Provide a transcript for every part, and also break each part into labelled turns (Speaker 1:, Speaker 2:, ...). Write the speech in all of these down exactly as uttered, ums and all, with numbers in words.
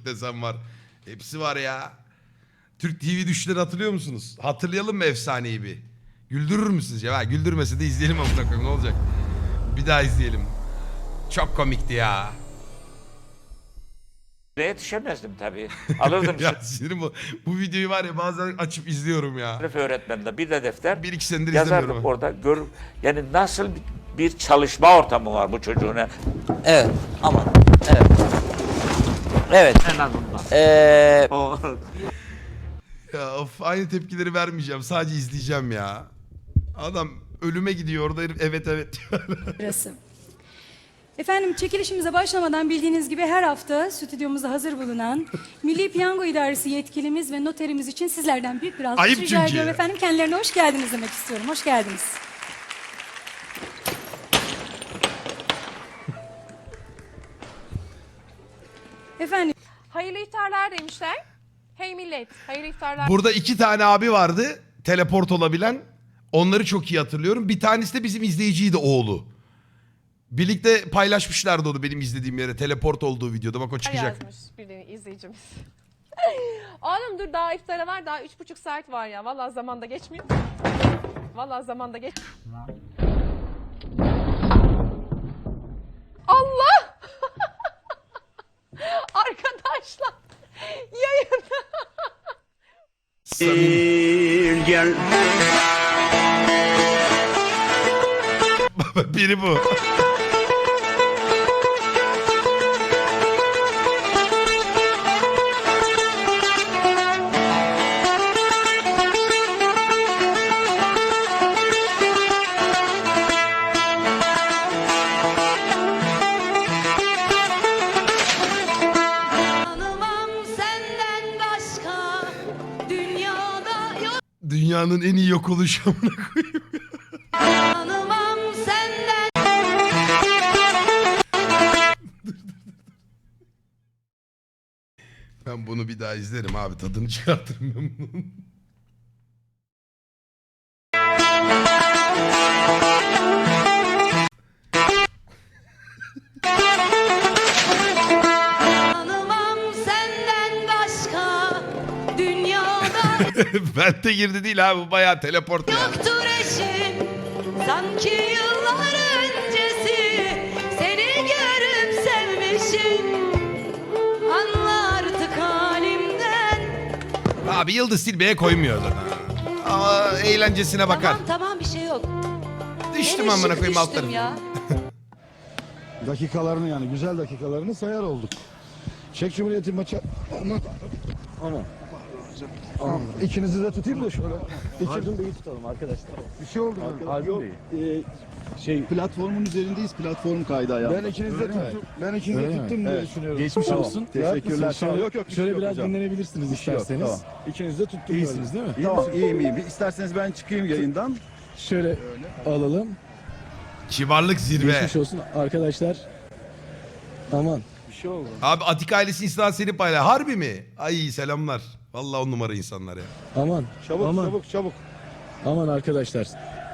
Speaker 1: çocuk desem var. Hepsi var ya. Türk T V düşleri hatırlıyor musunuz? Hatırlayalım mı efsaneyi bir? Güldürür müsünüz ya? Ha, güldürmese de izleyelim amına koyayım, ne olacak? Bir daha izleyelim. Çok komikti ya.
Speaker 2: Yetişemezdim tabii. Alırdım
Speaker 1: Ya sinirim bu. Bu videoyu var ya bazen açıp izliyorum ya.
Speaker 2: sınıf öğretmeninde bir de defter.
Speaker 1: Bir iki senedir izlemiyorum.
Speaker 2: Yazardık orada. Gör, yani nasıl bir çalışma ortamı var bu çocuğun.
Speaker 3: Evet, aman, evet. Evet.
Speaker 2: En azından.
Speaker 3: Ee,
Speaker 2: O
Speaker 1: Ya of, aynı tepkileri vermeyeceğim. Sadece izleyeceğim ya. Adam ölüme gidiyor orada herif evet evet diyor.
Speaker 4: Burası. Efendim çekilişimize başlamadan bildiğiniz gibi her hafta stüdyomuzda hazır bulunan Milli Piyango İdaresi yetkilimiz ve noterimiz için sizlerden büyük bir alkış
Speaker 1: Ayıp
Speaker 4: rica
Speaker 1: çünkü.
Speaker 4: ediyorum efendim. Kendilerine hoş geldiniz demek istiyorum. Hoş geldiniz. Efendim
Speaker 5: Hayırlı iftarlar demişler. Hey millet, hayırlı iftarlar.
Speaker 1: Burada iki tane abi vardı. Teleport olabilen. Onları çok iyi hatırlıyorum. Bir tanesi de bizim izleyiciydi, oğlu. Birlikte paylaşmışlardı onu benim izlediğim yere. Teleport olduğu videoda. Bak o çıkacak.
Speaker 5: Yazmış bir de izleyicimiz. Oğlum dur daha iftara var, daha üç buçuk saat var ya. Vallahi zamanda geçmiyor. Vallahi zamanda geç. Allah! Arkadaşlar yayın.
Speaker 1: Samimi.
Speaker 2: gel.
Speaker 1: Biri bu.
Speaker 6: Tanımam senden başka dünyada yok.
Speaker 1: Dünyanın en iyi yok oluşu amına koyayım.
Speaker 6: Tanımam senden.
Speaker 1: Ben bunu bir daha izlerim abi. Tadını çıkartırım ben bunun.
Speaker 6: Tanımam senden başka dünyada
Speaker 1: Ben de girdi değil abi. Bu bayağı teleport ya.
Speaker 6: yoktur eşin. Sanki yıllar öncesi seni görüp sevmişim. Anla artık halimden.
Speaker 1: Abi Yıldız Silbe'ye koymuyor zaten. Ama eğlencesine bakar.
Speaker 6: Tamam tamam bir şey yok.
Speaker 1: Düştüm
Speaker 6: Hele
Speaker 1: amına
Speaker 6: şık
Speaker 1: koyayım alt
Speaker 6: düştüm
Speaker 1: tarafı.
Speaker 6: ya.
Speaker 7: Dakikalarını yani güzel dakikalarını sayar olduk. Çek Cumhuriyeti maçı. Aman. Aman. Aman. İkinizi de tutayım da şöyle. İkinizi de iyi tutalım arkadaşlar. Bir şey oldu mu?
Speaker 8: Yok, e, şey platformun üzerindeyiz. Platform kaydı ayağımda.
Speaker 7: Ben ikinizi de tuttum. Ben ikinizi de tuttum diye
Speaker 8: Evet.
Speaker 7: düşünüyorum.
Speaker 8: Geçmiş
Speaker 7: Tamam.
Speaker 8: olsun.
Speaker 7: Teşekkürler.
Speaker 8: Şöyle,
Speaker 7: Yok yok. bir şey
Speaker 8: şöyle
Speaker 7: yok
Speaker 8: biraz
Speaker 7: hocam.
Speaker 8: dinlenebilirsiniz
Speaker 7: Bir şey yok,
Speaker 8: isterseniz.
Speaker 7: tamam. İkinizi de tuttum.
Speaker 8: İyisiniz değil mi?
Speaker 7: böyle.
Speaker 8: Tamam.
Speaker 7: Tamam iyiyim iyiyim. Bir İsterseniz ben çıkayım yayından.
Speaker 8: Şöyle alalım.
Speaker 1: Kibarlık zirve.
Speaker 8: Geçmiş olsun arkadaşlar. Aman.
Speaker 7: Bir şey oldu.
Speaker 1: Abi Atik ailesi Instagram seni paylaş. Harbi mi? Ay selamlar. Vallahi on numara insanlar ya.
Speaker 8: Aman.
Speaker 7: Çabuk
Speaker 8: aman.
Speaker 7: çabuk çabuk.
Speaker 8: Aman arkadaşlar.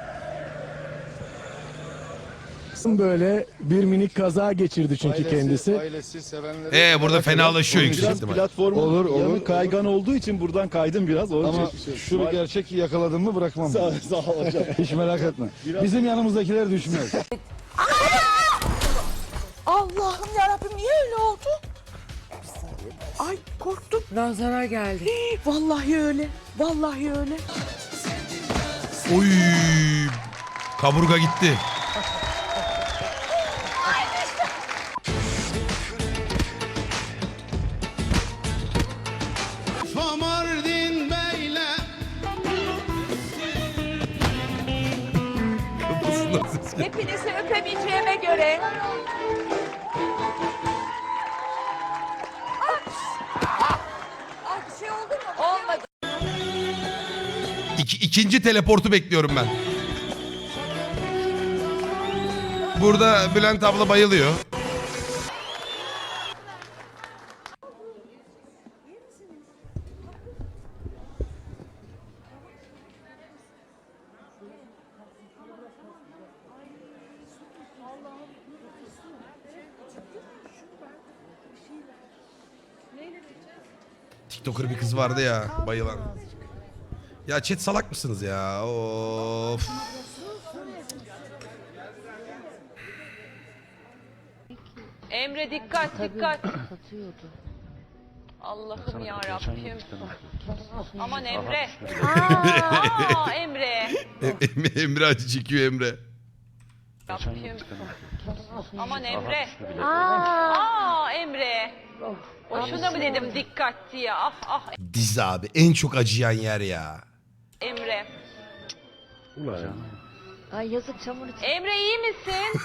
Speaker 8: Böyle bir minik kaza geçirdi çünkü
Speaker 7: Ailesi,
Speaker 8: kendisi.
Speaker 7: Ailesi, sevenleri.
Speaker 1: Ee burada fenalaşıyor yüksek
Speaker 8: Biraz
Speaker 1: ihtimal.
Speaker 8: platformun
Speaker 7: Olur, olur,
Speaker 8: yanı
Speaker 7: olur.
Speaker 8: kaygan olduğu için buradan kaydım biraz. Onun
Speaker 7: Ama
Speaker 8: için-
Speaker 7: şu bir gerçek yakaladım mı bırakmam.
Speaker 8: Sağ, sağ ol hocam.
Speaker 7: Hiç merak etme. Bizim yanımızdakiler düşmez.
Speaker 9: Allah'ım yarabbim niye öyle oldu? Ay korktum. Nazara geldi. Hii, vallahi öyle. Vallahi öyle.
Speaker 1: Oy. Kaburga gitti.
Speaker 5: Hepinizi öpebileceğime göre. Ay bir şey oldu mu? Olmadı.
Speaker 1: İki, ikinci teleportu bekliyorum ben. Burada Bülent abla bayılıyor.
Speaker 5: Neyle
Speaker 1: TikToker bir kız vardı ya bayılan. Ya chat salak mısınız ya? Of.
Speaker 5: Emre dikkat dikkat. Allah'ım ya Rabbim. Aman Emre. Aa, Emre.
Speaker 1: Em- Emre acı çekiyor Emre.
Speaker 5: Rabbim. Aman Emre. Aa, Emre. Boşuna mı dedim dikkat diye. Ah ah
Speaker 1: Diz abi en çok acıyan yer ya.
Speaker 5: Emre.
Speaker 6: Ay yazık çamur için.
Speaker 5: Emre iyi misin?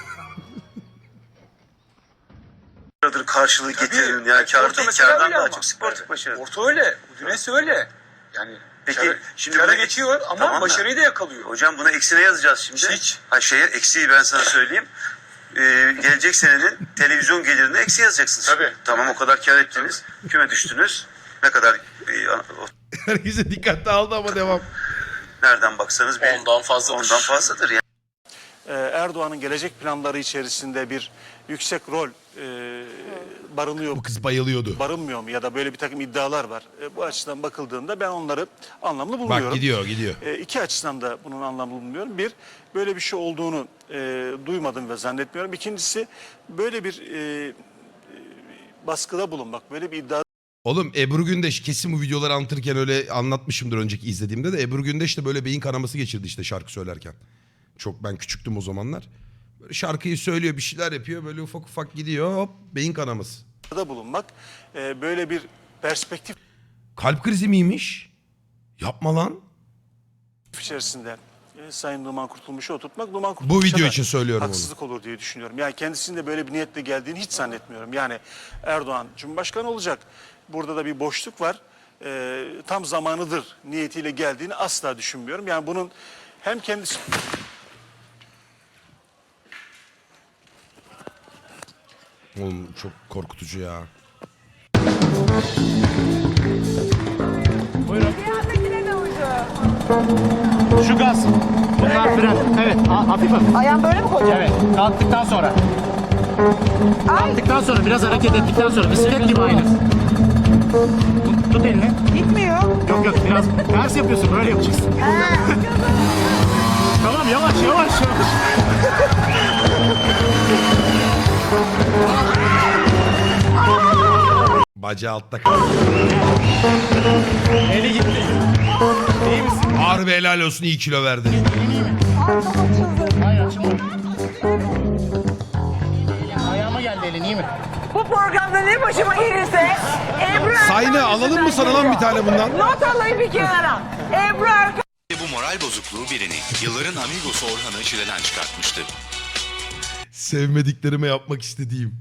Speaker 10: Karşılığı getirin ya kar değil kardan daha çok sportif başarı.
Speaker 11: Orta öyle. Güneş öyle. Yani
Speaker 10: Peki
Speaker 11: kâra-
Speaker 10: şimdi
Speaker 11: kâra
Speaker 10: buna-
Speaker 11: geçiyor ama
Speaker 10: Tamam da-
Speaker 11: başarıyı da yakalıyor.
Speaker 10: Hocam buna eksine yazacağız şimdi.
Speaker 11: Hiç.
Speaker 10: Ha şeye eksiği ben sana söyleyeyim. Ee, gelecek senenin televizyon gelirine eksi yazacaksınız.
Speaker 11: Tabii.
Speaker 10: Tamam o kadar kar ettiniz. Küme düştünüz. Ne kadar e, o-
Speaker 1: Herkese dikkatli aldı ama devam.
Speaker 10: nereden baksanız bir
Speaker 11: Ondan fazladır.
Speaker 10: ondan fazladır yani.
Speaker 11: Erdoğan'ın gelecek planları içerisinde bir yüksek rol e, barınıyor
Speaker 1: Bu kız bayılıyordu.
Speaker 11: barınmıyor mu ya da böyle bir takım iddialar var. E, bu açıdan bakıldığında ben onları anlamlı bulmuyorum.
Speaker 1: Bak gidiyor gidiyor.
Speaker 11: E, iki açıdan da bunun anlamlı bulmuyorum. Bir, böyle bir şey olduğunu e, duymadım ve zannetmiyorum. İkincisi, böyle bir e, e, baskıda bulunmak, böyle bir iddia
Speaker 1: Oğlum Ebru Gündeş kesin bu videoları anlatırken öyle anlatmışımdır önceki izlediğimde de. Ebru Gündeş de böyle beyin kanaması geçirdi işte şarkı söylerken. Çok ben küçüktüm o zamanlar. Böyle şarkıyı söylüyor bir şeyler yapıyor böyle ufak ufak gidiyor hop beyin kanaması.
Speaker 11: da bulunmak, e, böyle bir perspektif
Speaker 1: Kalp krizi miymiş? Yapma lan.
Speaker 11: içerisinde e, Sayın Numan Kurtulmuş'u oturtmak, Numan Kurtulmuş'a
Speaker 1: Bu video
Speaker 11: da
Speaker 1: için söylüyorum onu.
Speaker 11: haksızlık olur diye düşünüyorum. Yani kendisinin de böyle bir niyetle geldiğini hiç zannetmiyorum. Yani Erdoğan Cumhurbaşkanı olacak. Burada da bir boşluk var. E, tam zamanıdır niyetiyle geldiğini asla düşünmüyorum. Yani bunun hem kendisi...
Speaker 1: Oğlum çok korkutucu ya.
Speaker 8: Şu gaz. Bunlar fren. Evet. ha- hafif hafif.
Speaker 9: Ayağım böyle mi koyacağım?
Speaker 8: Evet. Kalktıktan sonra. Kalktıktan sonra biraz hareket ettikten sonra bisiklet gibi aynı. Tut, tut elini.
Speaker 9: Gitmiyor.
Speaker 8: Yok yok biraz ters yapıyorsun böyle yapacaksın. Tamam yavaş yavaş yavaş.
Speaker 1: Bacağı altta kaldı.
Speaker 8: Eli gitti. İyi misin?
Speaker 1: Harbi helal olsun iyi kilo verdi.
Speaker 8: Hayır açılma. Ayağıma geldi elin iyi mi?
Speaker 9: Bu programda ne başıma gelirse Ebru Erkan
Speaker 1: Sayne alalım mı sana lan bir tane bundan?
Speaker 9: Not alayım bir kenara. Ebru Erkan.
Speaker 12: Bu moral bozukluğu birini yılların amigosu Orhan'ı çileden çıkartmıştı.
Speaker 1: Sevmediklerime yapmak istediğim.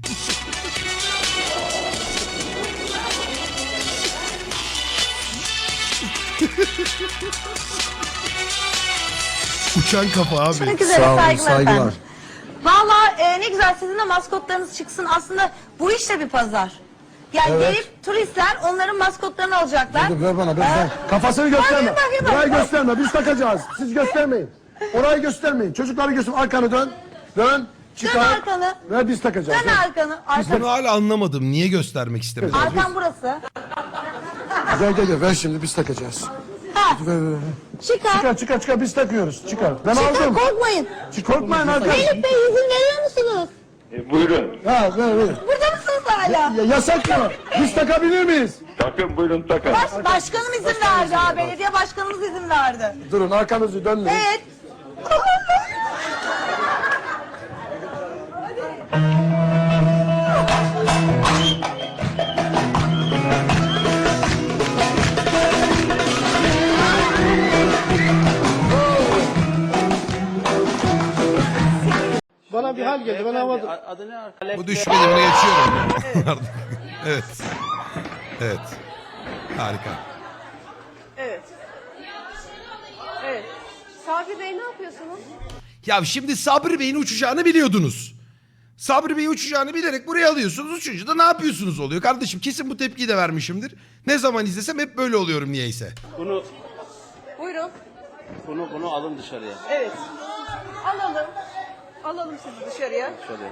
Speaker 1: Uçan kafa abi.
Speaker 6: Çok güzel saygılar, efendim. Valla e, ne güzel sizin de maskotlarınız çıksın. Aslında bu işte bir pazar. Yani
Speaker 7: Evet.
Speaker 6: gelip turistler onların maskotlarını alacaklar.
Speaker 7: Dur, ver bana, ver,
Speaker 6: Ee,
Speaker 7: ver. Kafasını gösterme.
Speaker 6: bakayım, bakayım,
Speaker 7: Burayı
Speaker 6: bakayım.
Speaker 7: gösterme, biz takacağız. Siz göstermeyin. Orayı göstermeyin. Çocukları göster, arkanı dön. Dön, çıkar.
Speaker 6: Dön arkanı.
Speaker 7: Ver biz takacağız.
Speaker 6: Dön
Speaker 7: Ver.
Speaker 6: arkanı. Arkan,
Speaker 1: Bunu hala anlamadım. Niye göstermek istemedi?
Speaker 6: arkan burası.
Speaker 7: Gel gel gel, ver şimdi biz takacağız.
Speaker 6: Ha,
Speaker 7: Ver, ver, ver.
Speaker 6: çıkar.
Speaker 7: Çıkar çıkar çıkar, biz takıyoruz. Çıkar. Ben
Speaker 6: Çıkar,
Speaker 7: aldım.
Speaker 6: korkmayın.
Speaker 7: Çık, korkmayın arkadaşlar.
Speaker 6: Elif Bey izin veriyor musunuz?
Speaker 11: Buyurun.
Speaker 7: Ha, ver ver.
Speaker 6: Burada mısınız hala?
Speaker 7: Ya, yasak mı? Biz takabilir miyiz?
Speaker 11: Takın buyurun takın.
Speaker 6: Baş, başkanım izin verdi ha. Belediye başkanımız izin verdi.
Speaker 7: Durun, arkanızı dönmeyin.
Speaker 6: Evet.
Speaker 8: Bana bir hal geldi ben havada.
Speaker 1: Bu düşmedi bunu geçiyorum. Evet. Evet. Harika.
Speaker 5: Evet. Evet. Sabri Bey ne yapıyorsunuz?
Speaker 1: Ya şimdi Sabri Bey'in uçacağını biliyordunuz. Sabri Bey'i uçacağını bilerek buraya alıyorsunuz. Uçunca da ne yapıyorsunuz oluyor. Kardeşim kesin bu tepkiyi de vermişimdir. Ne zaman izlesem hep böyle oluyorum niyeyse.
Speaker 8: Bunu
Speaker 5: Buyurun.
Speaker 8: bunu bunu alın dışarıya.
Speaker 5: Evet. Alalım. Alalım sizi dışarıya.
Speaker 8: Şöyle.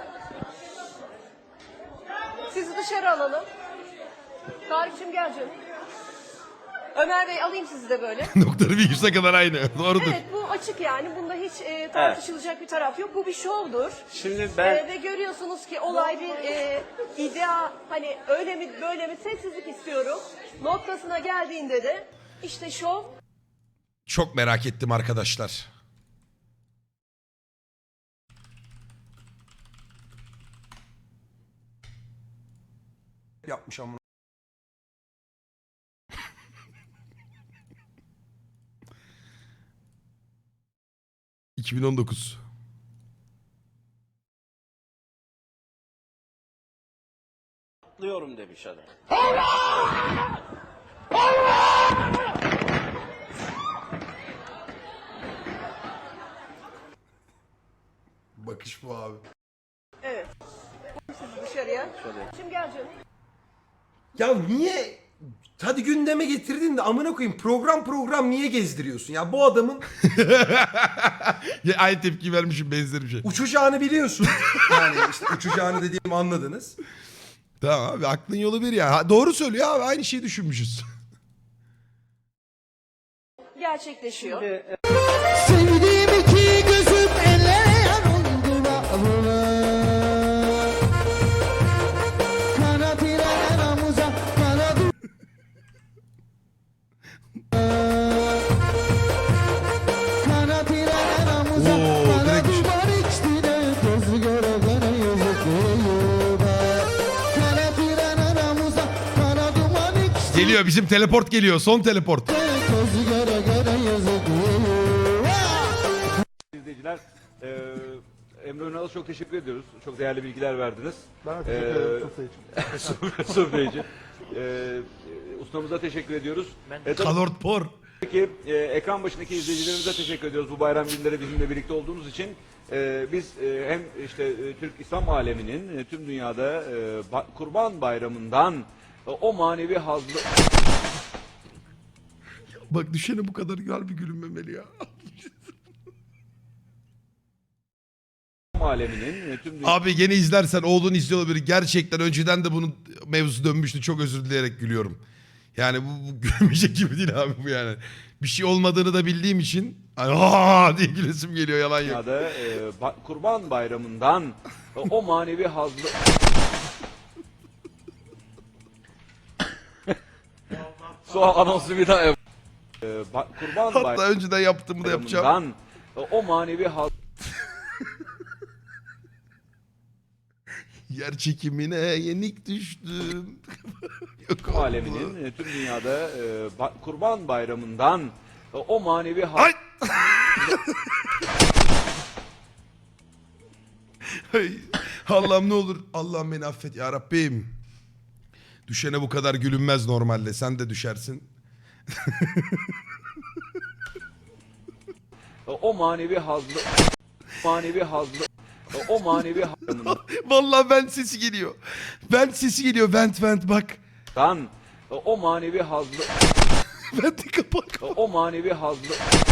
Speaker 5: Sizi dışarı alalım. Tarık'cığım gel canım. Ömer Bey alayım sizi de böyle.
Speaker 1: Noktaları virgüse kadar aynı. Doğrudur.
Speaker 5: Evet bu açık yani. Bunda hiç e, tartışılacak bir taraf yok. Bu bir şovdur.
Speaker 2: Şimdi ben
Speaker 5: E, ve görüyorsunuz ki olay bir e, iddia, hani öyle mi böyle mi, sessizlik istiyorum. Noktasına geldiğinde de işte şov.
Speaker 1: Çok merak ettim arkadaşlar.
Speaker 13: Yapmış ama.
Speaker 1: iki bin on dokuz.
Speaker 2: atlıyorum demiş adam.
Speaker 1: Bakış bu abi.
Speaker 5: Evet. Sizi dışarıya. Şimdi gel canım.
Speaker 13: Ya niye? Hadi gündeme getirdin de amına koyayım program program niye gezdiriyorsun? Ya bu adamın
Speaker 1: Ya aynı tepki vermişim, benzer bir şey.
Speaker 13: uçacağını biliyorsun. Yani işte uçacağını dediğimi anladınız.
Speaker 1: Tamam abi, aklın yolu bir ya. Ha, doğru söylüyor abi, aynı şeyi düşünmüşüz.
Speaker 5: Gerçekleşiyor.
Speaker 7: Sevdiğim iki gözüm ellere yar oldu Kana tire namuza kana du Kana tire namuza
Speaker 1: Oo,
Speaker 7: kana
Speaker 1: direkt-
Speaker 7: duvar içtine gözü göre göre yazık Kana tire namuza kana duman içtine
Speaker 1: Geliyor, bizim teleport geliyor. Son teleport.
Speaker 7: gözü göre göre yazık
Speaker 14: İzleyiciler, e, Emre Önal'a çok teşekkür ediyoruz. Çok değerli bilgiler verdiniz.
Speaker 7: Ben
Speaker 14: teşekkür ederim Sofya için. E, ustamıza teşekkür ediyoruz. E, tabii
Speaker 1: Kalort por.
Speaker 14: ki e, ekran başındaki izleyicilerimize teşekkür ediyoruz bu bayram günleri bizimle birlikte olduğunuz için. E, biz e, hem işte e, Türk İslam aleminin e, tüm dünyada e, ba- Kurban Bayramı'ndan e, o manevi hazzı
Speaker 1: Bak düşene bu kadar güzel bir gülünmemeli ya.
Speaker 14: aleminin e, tüm dünyada
Speaker 1: Abi gene izlersen oğlun izliyor olabilir. Gerçekten önceden de bunun mevzusu dönmüştü. Çok özür dileyerek gülüyorum. Yani bu, bu gülmeyecek gibi değil abi bu yani. Bir şey olmadığını da bildiğim için hani aa diye gülesim geliyor, yalan yok.
Speaker 14: dünyada e, ba- Kurban Bayramı'ndan e, o manevi hazzı Sonra anonsu bir daha yap. E, ba- Kurban
Speaker 1: Hatta önceden yaptığımı da yapacağım.
Speaker 14: Bayramı'ndan e, o manevi haz
Speaker 1: Yer çekimine yenik düştüm. Yok oğlum bu.
Speaker 14: aleminin e, tüm dünyada e, ba- Kurban Bayramı'ndan e, o manevi haz
Speaker 1: Ay! Ay, Allah'ım ne olur. Allah'ım beni affet ya Rabbim. Düşene bu kadar gülünmez normalde. Sen de düşersin.
Speaker 14: e, o manevi hazlı manevi hazlı e, o manevi hazlından
Speaker 1: Vallahi vent sesi geliyor. Vent sesi geliyor. Vent vent bak.
Speaker 14: e, o manevi hazlı
Speaker 1: Venti kapat.
Speaker 14: e, o manevi hazlı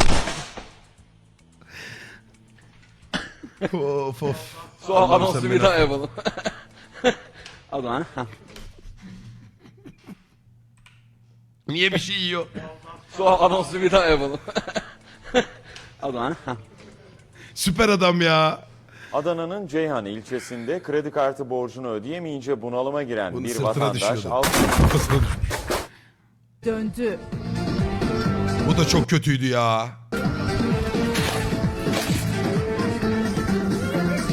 Speaker 1: Of of.
Speaker 14: Sonra
Speaker 1: Allah'ım
Speaker 14: anonsu
Speaker 1: sen
Speaker 14: bir
Speaker 1: beni
Speaker 14: daha
Speaker 1: affet.
Speaker 14: yapalım. O zaman
Speaker 1: Niye bir şey yiyor?
Speaker 14: Sonra anonsu bir daha yapalım. O zaman
Speaker 1: Süper adam ya.
Speaker 15: Adana'nın Ceyhan ilçesinde kredi kartı borcunu ödeyemeyince bunalıma giren
Speaker 1: Bunun
Speaker 15: bir
Speaker 1: sırtına
Speaker 15: vatandaş
Speaker 1: düşüyordu.
Speaker 15: alt
Speaker 1: Kafasına düşmüş.
Speaker 9: Döndü.
Speaker 1: Bu da çok kötüydü ya.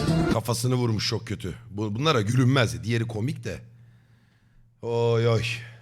Speaker 1: Kafasını vurmuş, çok kötü. Bu, bunlara gülünmez. Diğeri komik de. Oy oy.